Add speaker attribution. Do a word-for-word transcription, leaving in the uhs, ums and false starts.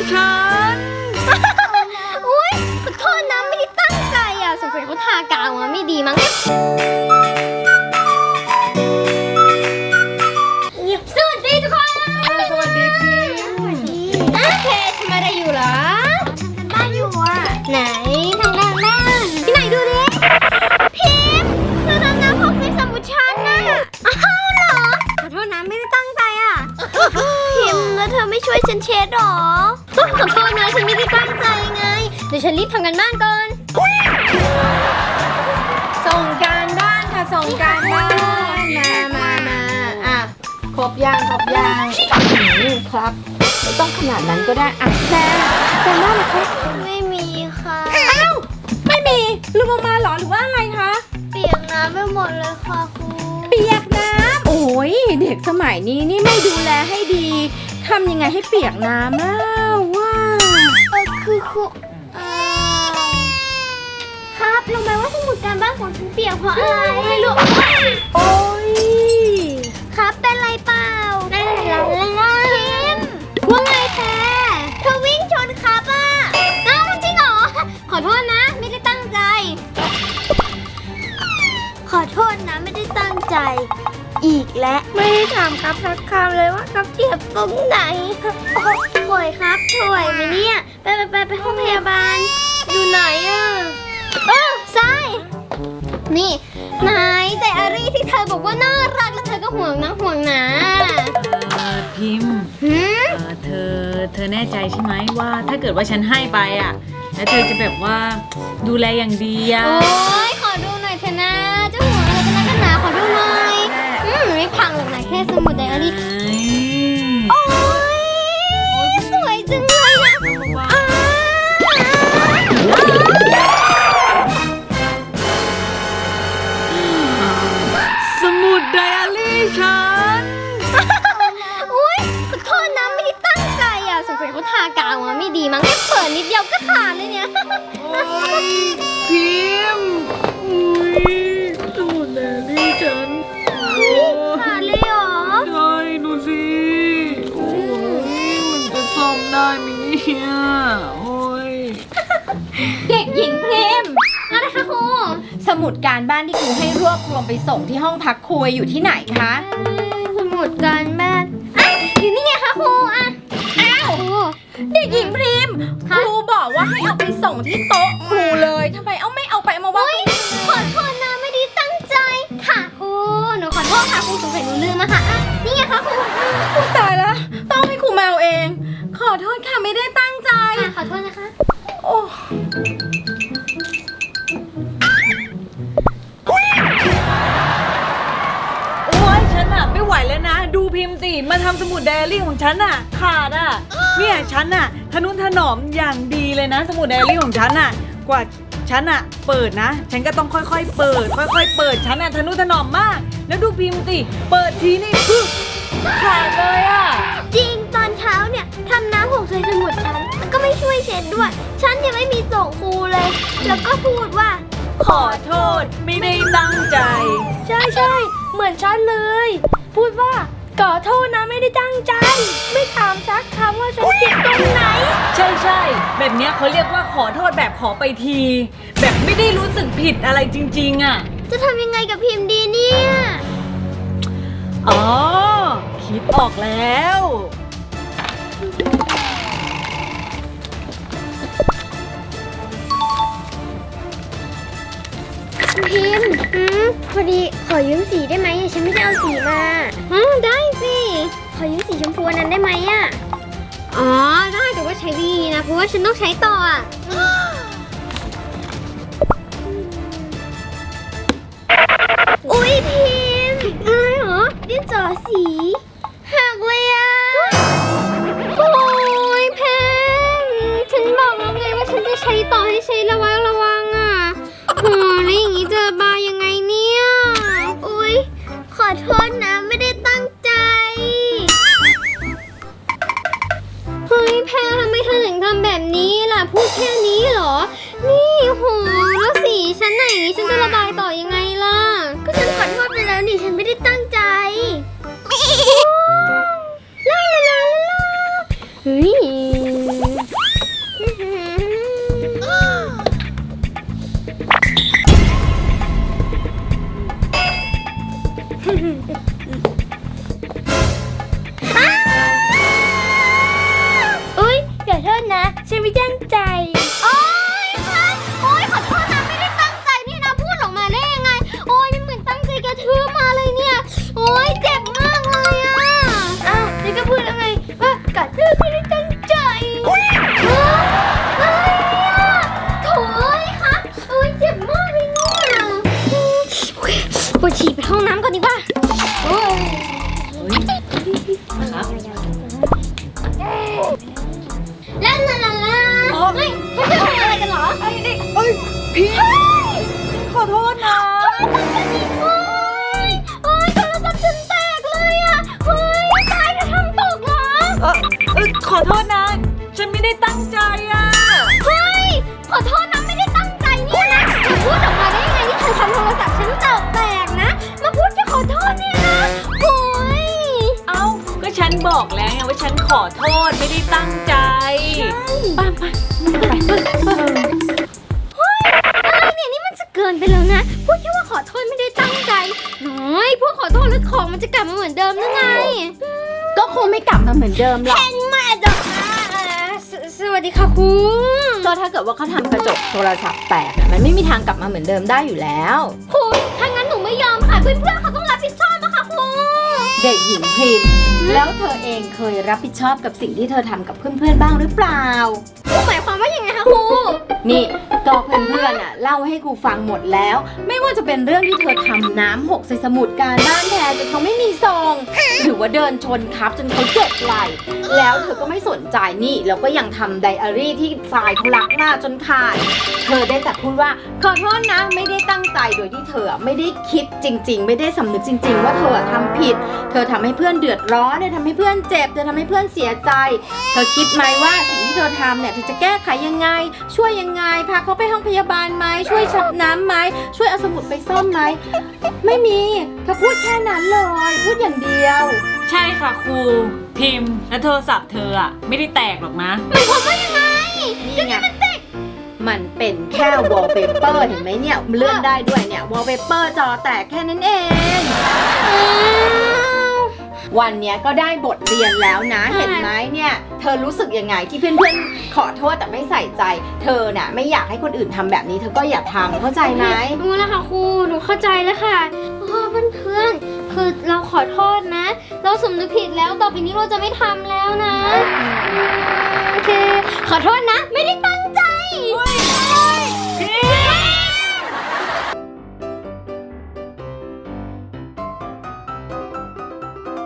Speaker 1: ฉัน
Speaker 2: อุ้ยขอโทษนะไม่ได้ตั้งใจอ่ะสงสัยเขาทากาวมาไม่ดีมั้งสวัสดีทุกคน
Speaker 1: สวัสดีพี่
Speaker 2: โอเคทำอะไรอยู่เหรอทำกันบ้านอยู่อ่ะไหนทำกันบ้านที่ไหนดูดิพิมพ์เธอทำน้ำหกในสมุดฉันน่ะอ้าวเหรอขอโทษนะไม่ได้ตั้งใจอ่ะพิมพ์แล้วเธอไม่ช่วยฉันเช็ดหรอขอโทษนะฉันไม่ได้ตั้งใจไงเดี๋ยวฉันรีบทำกันบ้านก่อน
Speaker 1: ส่งการบ้านค่ะส่งการบ้านมามามาอ่ะครบยางครบยางครับไม่ต้องขนาดนั้นก็ได้อ่ะแต่แต่บ้านล่ะคะ
Speaker 2: ไม่มีค่ะ
Speaker 1: อ้าวไม่มีลืมเอามาเหรอหรือว่าอะไรคะ
Speaker 2: เปียกน้ำไปหมดเลยค่ะครู
Speaker 1: เปียกน้ำโอ้ยเด็กสมัยนี้นี่ไม่ดูแลให้ดีทำยังไงให้เปียกน้ำอ้าวว้า
Speaker 2: เออคือครูครับรู้ไหมว่าสมุดการบ้านของฉันเปียกเพราะอะไรไม่รู้
Speaker 1: โอ้ย
Speaker 2: ครับเป็นไรเปล่านั่นแหละพิมว่าไงแท้เธอวิ่งชนครับอ่ะอ้าวจริงเหรอขอโทษนะไม่ได้ตั้งใจขอโทษนะไม่ได้ตั้งใจอีกและไม่ได้ถามครับสักคำเลยว่าครับเจ็บตรงไหนโอยครับถวยไหมเนี่ยไปไปไปไปห้องพยาบาลอยู่ไหนอ่ะเออใช่นี่นายแต่อารีที่เธอบอกว่าน่ารักแล้วเธอก็ห่วงนะห่วงนะ
Speaker 3: เออพิมพ์เธอเธอแน่ใจใช่ไหมว่าถ้าเกิดว่าฉันให้ไปอ่ะแล้วเธอจะแบบว่าดูแลอย่างดีอ่ะ
Speaker 2: โอ้ยขอดูหน่อยเถอะนะเจ้าห่วงอะไรกันนะกันหนาขอดูหน่อยอืมไม่พังหรอกนะแค่สมุดไดอารี่โอ้ยสวยจังเลยนะ
Speaker 1: สมุดไดอารี่ฉัน
Speaker 2: อุ้ยขอโทษนะไม่ได้ตั้งใจอ่ะสงสัยเขาทากาวมาไม่ดีมั้งแค่เปิดนิดเดียวก็ขาดเลยเนี่ย
Speaker 1: โอ้ยพิมพ์อุ้ยสมุดไดอารี่ฉัน
Speaker 2: ขาดเลยเหรอ
Speaker 1: ใช่ดูสิโอ้ยมันจะซ่อมได้ไหมเนี่ยโอ้ย
Speaker 4: เด็กหญิงพิมพ์
Speaker 2: อะไรคะครู
Speaker 4: สมุดการบ้านที่ครูให้รวบรวมไปส่งที่ห้องพักครูอยู่ที่ไหนคะ
Speaker 2: สมุดการบ้านอ่ะอยู่นี่ไงคะครูอ่ะ
Speaker 4: อ้าวเด็กหญิงพิมพ์ครูบอกว่าให้เอาไปส่งที่โต๊ะครูเลยทำไมเอาไม่เอาไปมาวาง
Speaker 2: ขอโทษนะไม่ได้ตั้งใจค่ะครูหนูขอโทษค่ะครูสงสัยหนูลืมอะค่ะอ่ะนี่ไงคะครู
Speaker 4: ตายแล้วต้องให้ครูมาเอาเองขอโทษค่ะไม่ได้ตั้งใจ
Speaker 2: ขอโทษนะคะ
Speaker 4: โอ้
Speaker 3: ฉันอะไม่ไหวแล้วนะดูพิมพ์สิมาทำสมุดไดอารี่ของฉันอะขาดอะเนี่ยฉันอะทนุถนอมอย่างดีเลยนะสมุดไดอารี่ของฉันอะกว่าฉันอะเปิดนะฉันก็ต้องค่อยๆเปิดค่อยๆเปิดฉันอะทนุถนอมมากแล้วดูพิมพ์สิเปิดทีนี่คือขาดเลยอะ
Speaker 2: จริงตอนเช้าเนี่ยทำน้ำหกใส่สมุดฉันแล้วก็ไม่ช่วยเช็ดด้วยฉันยังไม่มีส่งครูเลยแล้วก็พูดว่า
Speaker 3: ขอโทษไม่ได้ตั้งใจ
Speaker 4: ใช่ใช่เหมือนฉันเลยพูดว่าขอโทษนะไม่ได้ตั้งใจไม่ถามสักคำว่าฉันเจ็บตรงไหน
Speaker 3: ใช่ใช่แบบนี้เขาเรียกว่าขอโทษแบบขอไปทีแบบไม่ได้รู้สึกผิดอะไรจริงๆอ่ะ
Speaker 2: จะทำยังไงกับพิมพ์ดีเนี่ย
Speaker 3: อ๋อคิดออกแล้ว
Speaker 2: พิมพ์อืมพอดีขอยืมสีได้ไหมฉันไม่ได้เอาสีมาอ๋อได้สิขอยืมสีชมพูนั้นได้ไหมอ่ะอ๋อได้แต่ว่าใช้ดีนะเพราะว่าฉันต้องใช้ต่ออ่ะอุ๊ยพิมพ์อะไรเหรอดินสอสีหักเลยอ่ะโอ้ยแพงฉันบอกแล้วไงว่าฉันจะใช้ต่อให้ใช้ระวังระวังอ่ะโอ้แล้วอย่างนี้จะบายังไงเนี่ยอุ๊ยขอโทษนะไม่ได้ตั้งใจเฮ้ยแพรทำไมเธอถึงทำแบบนี้ล่ะพูดแค่นี้เหรอนี่โหแล้วสีฉันไหนฉันจะระบายต่อยังไงล่ะก็ฉันขอโทษไปแล้วนี่ฉันไม่ได้ตั้งใจลาลาลาลาเฮ้ยลาลาลาลา
Speaker 3: อ๋อ
Speaker 2: เฮ้ยเพื่อนๆทำอะไรกันเหรอ
Speaker 3: ไอ้นี่เอ้ยพิมขอโทษนะ
Speaker 2: โอ๊ยโอ๊ยโทรศัพท์ฉันแตกเลยอ่ะเฮ้ยตายจะทำตกเหรอ
Speaker 3: เออเออขอโทษนะ ฉันไม่ได้ตั้งใจอ่ะ
Speaker 2: เฮ้ยขอโทษนะไม่ได้ตั้งใจเนี่ยนะจะพูดออกมาได้ยังไงที่เธอทำโทรศัพท์ฉันตกแตกนะมาพูดแค่ขอโทษเนี่ยนะโอ๊ย
Speaker 3: เอ้าก็ฉันบอกแล้วไงว่าฉันขอโทษไม่ได้ตั้งใจป้าป้าไป
Speaker 2: เฮ้ยอะไรเนี่ยนี่มันจะเกินไปแล้วนะพูดแค่ว่าขอโทษไม่ได้ตั้งใจน้อยพูดขอโทษแล้วของมันจะกลับมาเหมือนเดิมหรือไง
Speaker 1: ก็คงไม่กลับมาเหมือนเดิมหรอก
Speaker 2: เป็นมาดอกสสวัสดีค่ะคุณ
Speaker 1: ก็ถ้าเกิดว่าเขาทำกระจกโทรศัพท์แตกอะมันไม่มีทางกลับมาเหมือนเดิมได้อยู่แล้ว
Speaker 2: คุณถ้างั้นหนูไม่ยอมค่ะเพื่อนๆเขาต้องรับผิดชอบนะคะคุณ
Speaker 1: เด็กหญิงพริมแล้วเธอเองเคยรับผิดชอบกับสิ่งที่เธอทำกับเพื่อนๆบ้างหรือเปล่า
Speaker 2: หมายความว่ายังไงคะครู
Speaker 1: นี่ก็เพื่อนๆอ่ะเล่าให้ครูฟังหมดแล้ว ไม่ว่าจะเป็นเรื่องที่เธอทำน้ำหกใส่สมุดการบ้านแทนจนเขาไม่มีซองหรือว่าเดินชนครับจนเขาเจ็บไหล่แล้วเธอก็ไม่สนใจนี่แล้วก็ยังทำไดอารี่ที่ทรายเขารักมากจนขาดเธอได้แต่พูดว่าขอโทษนะไม่ได้ตั้งใจโดยที่เธอไม่ได้คิดจริง ๆ ไม่ได้สำนึกจริง ๆ ว่าเธอทำผิด เธอทำให้เพื่อนเดือดร้อนเธอทำให้เพื่อนเจ็บเธอทำให้เพื่อนเสียใจ เธอคิดไหมว่าสิ่งที่เธอทำเนี่ยเธอจะแก้ไขยังไง ช่วยยังไงพาเขาไปห้องพยาบาลไหมช่วยชักน้ำไหมช่วยเอาสมุดไปซ่อมไหมไม่มีเธอพูดแค่นั้นเลยพูดอย่างเดียว
Speaker 3: ใช่ค่ะครูพิมพ์และโทรศัพท์เธออ่ะไม่ได้แตกหรอกนะ
Speaker 1: นี่ไงมันเป็นแค่วอลเปเปอร์เห็นไหมเนี่ยเลื่อนได้ด้วยเนี่ยวอลเปเปอร์จอแตกแค่นั้นเอง วันเนี้ยก็ได้บทเรียนแล้วนะเห็นไหมเนี่ยเธอรู้สึกยังไงที่เพื่อนๆขอโทษแต่ไม่ใส่ใจ เธอน่ะไม่อยากให้คนอื่นทำแบบนี้เธอก็อย่าทำเข้าใจไหม
Speaker 2: รู้แล้วค่ะครูหนูเข้าใจแล้วค่ะโอ้เพื่อนๆคือเราขอโทษนะ เราสำนึกผิดแล้วต่อไปนี้เราจะไม่ทำแล้วนะโอเคขอโทษนะไม่ได้ตั้ง